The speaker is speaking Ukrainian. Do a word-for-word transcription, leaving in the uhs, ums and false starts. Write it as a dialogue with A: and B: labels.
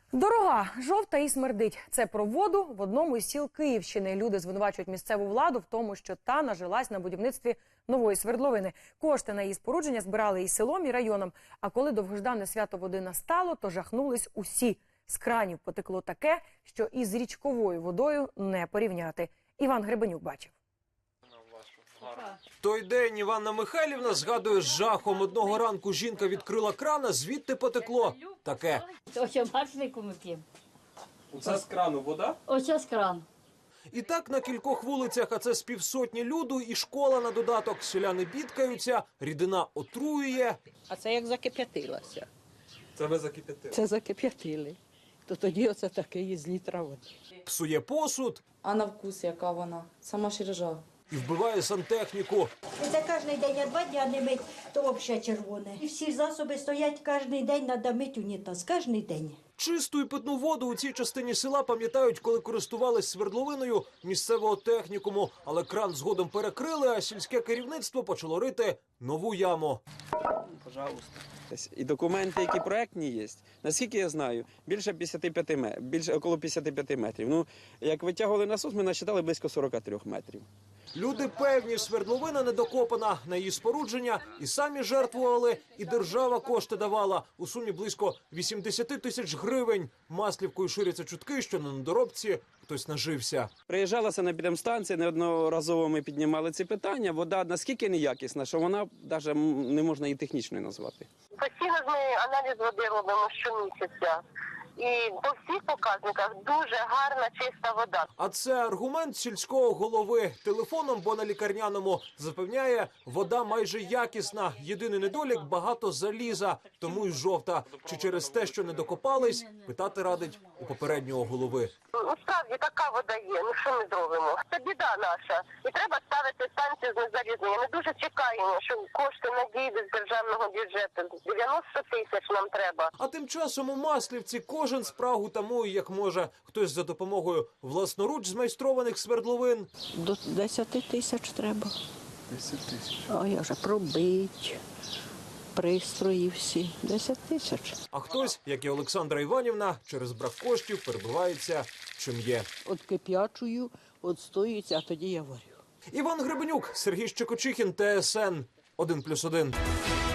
A: Дорога, жовта і смердить. Це про воду в одному із сіл Київщини. Люди звинувачують місцеву владу в тому, що та нажилась на будівництві нової свердловини. Кошти на її спорудження збирали і селом, і районом. А коли довгождане свято води настало, то жахнулись усі. З кранів потекло таке, що із річковою водою не порівняти. Іван Гребенюк бачив.
B: Той день Іванна Михайлівна згадує з жахом. Одного ранку жінка відкрила крана, звідти потекло таке.
C: Ось бачнику ми п'ємо.
B: Це з крану вода?
C: Ось з кран.
B: І так на кількох вулицях, а це з півсотні люду і школа на додаток. Селяни бідкаються, рідина отруює.
D: А це як закип'ятилося.
B: Це ви закип'ятили?
D: Це закип'ятили. То тоді оце таке є з літра води.
B: Псує посуд.
E: А на вкус яка вона? Сама ж ржа.
B: І вбиває сантехніку.
F: Це кожен день, а два дня не мить, то взагалі червоне. І всі засоби стоять кожен день, треба мити унітаз, кожен день.
B: Чисту і питну воду у цій частині села пам'ятають, коли користувались свердловиною місцевого технікуму. Але кран згодом перекрили, а сільське керівництво почало рити нову яму.
G: Пожалуйста. І документи, які проектні є, наскільки я знаю, більше п'ятдесят п'ять метрів, більше около п'ятдесят п'ять метрів. Ну, як витягували насос, ми насчитали близько сорок три метрів.
B: Люди певні, свердловина недокопана, на її спорудження і самі жертвували, і держава кошти давала. У сумі близько вісімдесят тисяч гривень. Маслівкою ширяться чутки, що на недоробці хтось нажився.
G: Приїжджала санепідемстанція, неодноразово ми піднімали ці питання. Вода наскільки неякісна, що вона навіть не можна її технічною назвати.
H: Постійно ми аналіз води робимо щомісяця. І по всіх показниках дуже гарна, чиста вода.
B: А це аргумент сільського голови. Телефоном, бо на лікарняному, запевняє, вода майже якісна. Єдиний недолік – багато заліза, тому й жовта. Чи через те, що не докопались, питати радить у попереднього голови.
H: Ну, справді, така вода є. Ну, що ми зробимо? Це біда наша. І треба ставити станцію з незалізнення. Ми дуже чекаємо, що кошти надійдуть з державного бюджету. дев'яносто тисяч нам треба.
B: А тим часом у Маслівці кожен спрагу тамує, як може. Хтось за допомогою власноруч змайстрованих свердловин.
D: До десяти тисяч треба.
G: десять тисяч.
D: А я вже пробить, пристрої всі. десять тисяч.
B: А хтось, як і Олександра Іванівна, через брак коштів перебивається чим є.
D: От кип'ячую, от стоїться, а тоді я варю.
B: Іван Гребенюк, Сергій Щекочихін, Т С Н один плюс один.